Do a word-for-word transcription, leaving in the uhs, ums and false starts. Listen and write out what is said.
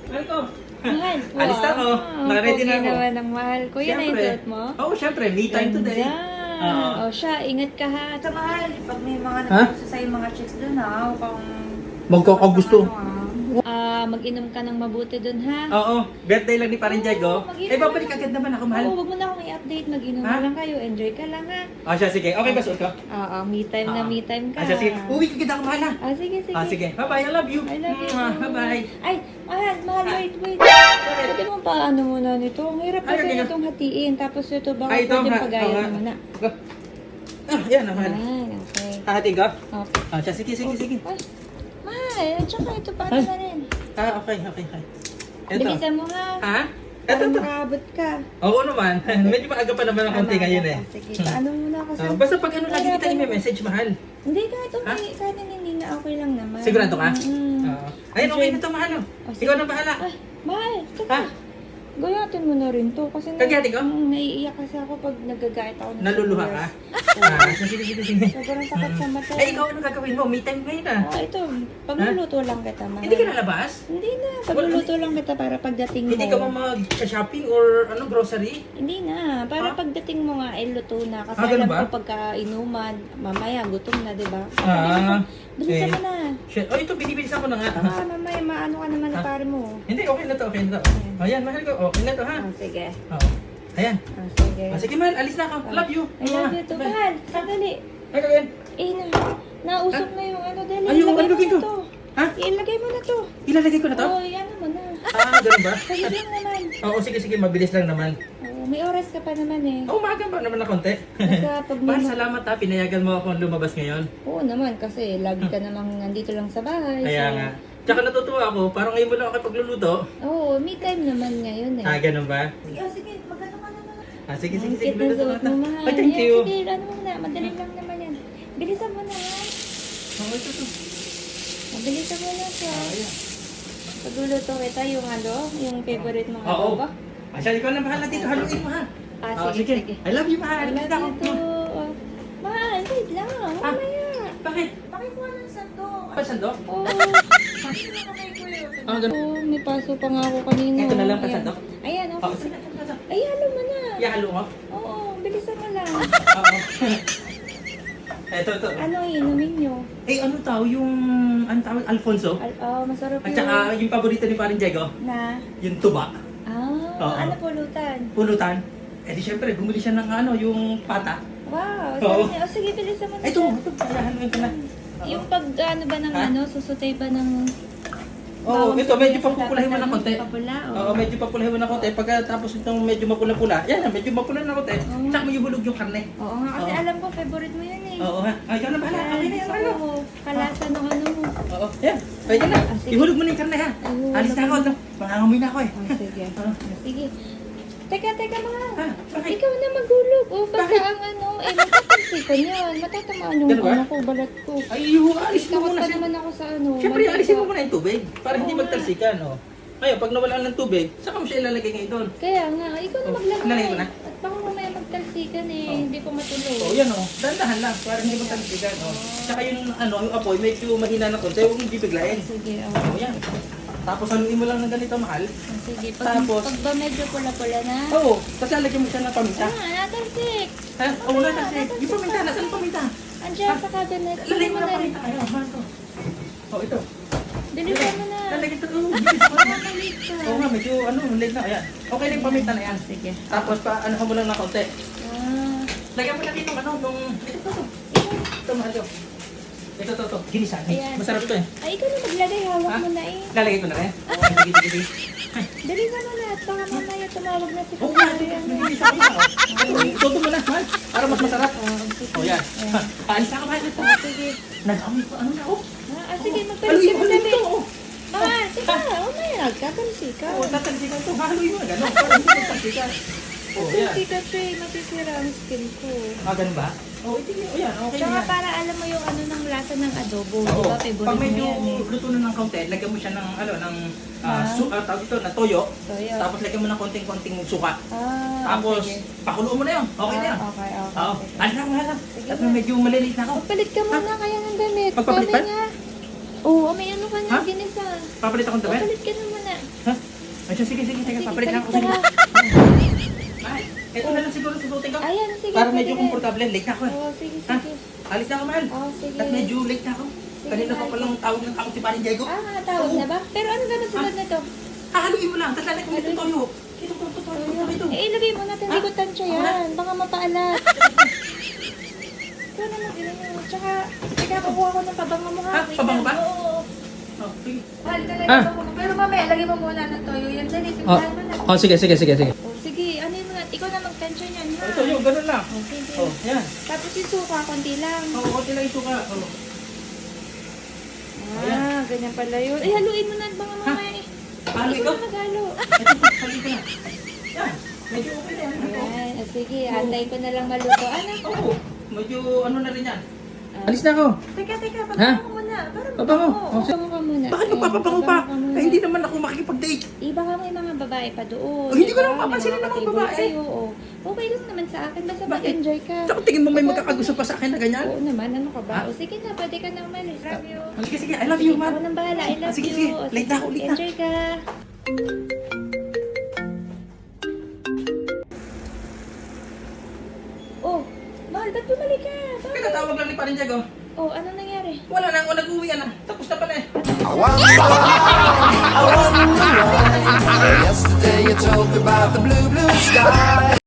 Mahal ko. Mahal. Alis na ako. Naka-ready na Okay ako. naman ang mahal ko. Yan na yung suot mo? Oo, oh, syempre. Me time today. Oo. O siya, ingat ka ha. Sa mahal, pag may mga Ha? nagpuso sa'yo mga chicks doon ha, huwag kang... Magkakagusto. Ano, ah. Ah, mag-inom ka ng mabuti dun ha. Oo, birthday lang ni Parin Diego. Oo, mag-inom Eh, babalik ka. agad naman ako, mahal. Oo, wag mo na akong i-update. Mag-inom Ha? na lang kayo. Enjoy ka lang ha. Ah, siya, sige. Okay ba suot ko? Oo, me time na Ah. me time ka. Ah, siya, sige. Uwi ka kita ako, mahal ha. Ah, sige, sige. Ah, sige. Bye-bye, I love you. I love you. Mwah, Bye-bye. Ay, mahal, mahal, wait, wait. Pwede mo pa ano muna nito. Ang hirap Ay, kasi okay. nitong hatiin. Tapos ito, baka Ay, ito, pwede ha. pagayat Oo, ha. mo muna. Go. Ah, yan na, mahal. Ay, okay. Hahating ko? Okay. Ah, siya, sige, sige, sige. Ay, mahal, at saka ito paano Ay. na rin. Ah, okay, okay, okay. Ito. Bilisan mo ha. Ha? Para Ito to. makaabot ka. Oo naman. Medyo maaga pa naman ang konti Tama, ngayon tama. eh. Sige, paano muna ako sa... Ah, basta pag ano, lagi kita i-message, mahal. Hindi, kahit Ha? okay, kahit hindi na okay lang naman. Sigurado ka? Mm. Oo. Ayun, okay na to, mahal. oh. Oh, sige. Ikaw na bahala. Ay, mahal, Ha? teka. Gayatin mo na rin to. Kasi na, Gagayatin ko? Mm, naiiyak kasi ako pag nagagayat ako. ng Naluluha ka? sobrang- Ah, sige, sige, sige. Sobrang sakit sa mata. Ay, ikaw ano gagawin mo? Me time ngayon ah. Ah, ito, pagluluto lang kita, mahal. Hindi ka nalabas? Hindi na, pagluluto lang kita para pagdating mo. Hindi ka ba mag-shopping or ano, grocery? Hindi na, para Ah? pagdating mo nga, ay luto na. Kasi Ah, ganun alam ba? ko pagka-inuman, mamaya gutom na, di ba? Ah, Bilisan eh. mo na. Shit. Oh, ito, binibilisan ko na nga. Ah, mamaya maano ka naman na Ah? pare mo. Hindi, okay na to, okay na to. Ayan, mahal ko. Okay na to, ha? Ah, sige. Oo. Ayan. Ah, sige. Ah, sige, mahal. Alis na ako. Love you. I love you too. Bye. Mahal, sandali. Ay, gawin. Eh, na, nausap na yung ano, dali. Ay, yung ilagay ano mo gagawin na ko? to. Ha? Ilagay mo na to. Ilalagay ko na to? Oo, yan mo na. Ah, ganun ba? Saglit lang naman. Oo, sige, sige. Mabilis lang naman. Oo, may oras ka pa naman eh. Oo, maaga pa naman na konti. Basta pag Mahal, may... salamat ha. Pinayagan mo akong lumabas ngayon. Oo naman, kasi lagi ka namang nandito lang sa bahay. Kaya so- nga. Tsaka natutuwa ako. Parang ngayon mo lang ako pagluluto. Oo, me time naman ngayon eh. Ah, ganun ba? Sige, oh, sige, magano ka naman. Ah, sige, Ang sige, sige. cute na Luluto suot na. mo, mahal. Ay, thank Yan, you. Sige, ano mo na. Madali lang naman yan. Bilisan mo na, ha? Oh, ito, ito. Mabilisan mo na siya. Ah, ayan. Pagluluto kita yung ano, yung favorite mong Oo. adobo. Ah, siya, ikaw na bahala dito. Haluin mo ha. Ah, Ah, sige, sige. I love you, mahal. I love Kita you ko. too. Mahal, wait lang. Ah. Mamaya. Bakit? Pakikuha ng sando. Pa sandok? Oo. Sino na kay Kuya? Ah, ganun. Oo, may paso pa nga ako kanina. Ito na lang, Ayan. pasandok? Ayan, Oo, okay. sige. sige, sige. Ay, halo mo na. Ihalo mo? Oo, bilisan mo lang. Oo. Ito, ito. Ano inumin nyo? Eh, ano tao yung, ano tawag, Alfonso? Al oh, masarap At yun. saka yung paborito ni Parin Diego, Na? yung tuba. Ah, Oo. ano pulutan? Pulutan. Eh di syempre, bumili siya ng ano, yung pata. Wow, Oo. sabi niya, oh, sige, bilisan mo na Ay, ito, siya. ito, haluin ko na. Yung pag ano ba ng Ha? ano, susutay ba ng... Oo, bawang ito, medyo sibuyas, papupulahin mo dapat ng konti. Papula, Oo, oh. medyo papulahin mo ng konti. Pagkatapos itong medyo mapula-pula, yan na, medyo mapula na konti. Oo. Tsaka may hulog yung karne. Oo nga, kasi Oo. alam ko, favorite mo yan eh. Oo ha. Ay, ikaw na bahala. Okay na yan, Gusto ano. ko, kalasa ng ano mo. Oo, yan. Pwede na. Ah, sige. Ihulog mo na yung karne ha. Ay, hulog Alis na ako. mo. No? Mangangamoy na ako eh. Oh, sige. Oo. Sige. Teka, teka mga. Ha? Bakit? Ikaw na magulog. O, basta Bakit? ang ano, eh, matatalsikan yan. Matatamaan yung Ganun ba? ano ko, balat ko. Ay, yung alisin mo Takot muna pa siya. naman ako sa ano. Siyempre, mantika. alisin mo muna yung tubig para hindi Oo nga. magtalsikan. Oh. Ngayon, pag nawalan ng tubig, saka mo siya ilalagay ngayon doon. Kaya nga, ikaw na Oh, maglagay. ilalagay mo na? At baka mamaya magtalsikan eh, Oh. hindi ko matuloy. Oh, yan oh. Dahan-dahan lang para hindi magtalsikan. Oh. Tsaka yung ano, yung apoy, medyo mahina na konti. Huwag mong bibiglayin. Sige, oh. Oh, yan. Tapos haluin mo lang ng ganito, mahal. Oh, sige, pag, Tapos- pag ba medyo pula-pula na? Oo, kasi lalagyan mo siya ng paminta. Ah, natalsik. Ha? Oo, wala kasi. Yung paminta, nasaan yung paminta? Andiyan sa cabinet. Lalagyan mo Ano ng na rin? paminta. Ayun, mahal to. Oh, ito. Bilisan mo na. Lalagyan ito. Oh, bilis mo na. Makalit ka. Oo nga, medyo ano, late na. Ayan. Okay na yung paminta na yan. Sige. Tapos pa, ano mo lang ng konti. Ah, Lagyan mo na dito, ano, nung... Ito, ito, ito. Ito, mahal to. Ito, ito, ito. Ginisa. Ayan. Masarap to eh. ay, ikaw na maglagay. Hawak Ha? mo na eh. Lalagay ko na rin. Oo, sige, sige, sige. Bilisan mo na at baka mamaya tumawag na si Oo nga, Kuya. sige. Ginisa ko na. oh. Ituto mo na, mahal. Para mas masarap. Ah, sige. Oh, yan. Ayan. Paalis na ka, mahal. Ito. Ah, sige. Nag-amoy pa, ano na, oh. Ah, ah, sige, Haluin magtalsik mo, mo haluin na ito, rin. oh. Ah, sige. Umaya, nagkatalsik ka. Oo, tatalsikan to. Haluin mo na gano'n. Para hindi magtalsikan. Oh, yan. Talsik kasi masisira ang skin ko. Ah, ganun ba? Oo, oh, ito yan. Okay na Tsaka yan. para alam mo yung ano ng lasa ng adobo. Oo. Di ba? Favorite Pag mo medyo yan eh. luto na ng kaunti, lagyan mo siya ng, ano, ng, ah, Ah. su, ah, tawag ito, na toyo. Toyo. Tapos lagyan mo ng konting-konting suka. Ah, Tapos, sige. pakuluan mo na yun. Okay na yan. Ah, okay, okay. Oo. sige. Ano na, wala. Sige At na. medyo malilit na ako. Magpalit ka muna kaya ng damit. Magpapalit Sabi pa? nga. Oo, may ano ka na, Ha? ginisa. Papalit akong damit? Magpalit ka na muna. Ha? Sige, sige, sige. Sige, Papalit lang ako. balik Sige. ka. Mahal, ito na lang siguro susutin ko. Ayan, sige. Para pwede medyo na. komportable. Late na ako eh. Oo, sige, Ha? sige. Alis na ako, mahal. Oo, sige. At medyo late na ako. Kanina pa mahal. palang tawag ng tawag si Paring Diego. Ah, mga tawag Oo. na ba? Pero ano gano'n sunod na to? Hahaluin mo lang. Tapos lalagay ko nito toyo. Ito, ito, ito, ito, ito, ito. Eh, ilagay mo natin. Hindi ko tansya Ako na. yan. Baka mapaalat. Ikaw naman, ilagay mo. Tsaka, teka, kukuha ko ng pabango mo ha. Ha? Wait Pabango lang. ba? Oo. Oh, sige. Mahal talaga Ah. ako. Pero mamaya, lagay mo muna ng toyo. Yan, dali. Oh, Timplahan mo na. oh sige, sige, sige, sige. Oh, sige, ano yun mo na. Ikaw na magtansya niyan ha. Ito yun, ganun lang. Oh, sige. Oh, yan. Tapos yung suka, konti lang. Oo, konti lang ito ka. Oh. Ah, ganyan pala yun. Ay, haluin mo na baka mamaya eh. Halo Ikaw ikaw? na maghalo. Ito, halo ko na. Yan. Medyo okay na yan. Ito. Ayan, ah, sige, antayin ko na lang maluto. Anak, Oo, medyo ano na rin yan. Ah. Alis na ako. Teka, teka. Ha? Pabango ko muna. Para Pabango. mabango. Oh, pabango ka muna. Bakit Ayan, magpapabango pa? pabango ka muna. Eh, hindi naman ako makikipag-date. Eh, baka may mga babae pa doon. Oh, hindi ko diba? naman papansinin May ng mga ka-table babae. Kayo, oh. Okay lang naman sa akin. Basta Bakit? mag-enjoy ka. Tsaka tingin mo may magkakagusto pa sa akin na ganyan? Oo naman, ano ka ba? Ha? O sige na, pwede ka na umalis. Love you. Oh, sige, sige. I love you, Sige, man. ako nang bahala. I love Sige, you. sige. O, Late na ako, late na. Enjoy ka. Oh, mahal, ba't bumalik ka? Bakit? Pinatawag lang ni Paring Diego. Oh, ano nangyari? Wala na ako, nag-uwi na. Tapos na pala eh. Yesterday you told me about the blue, blue sky.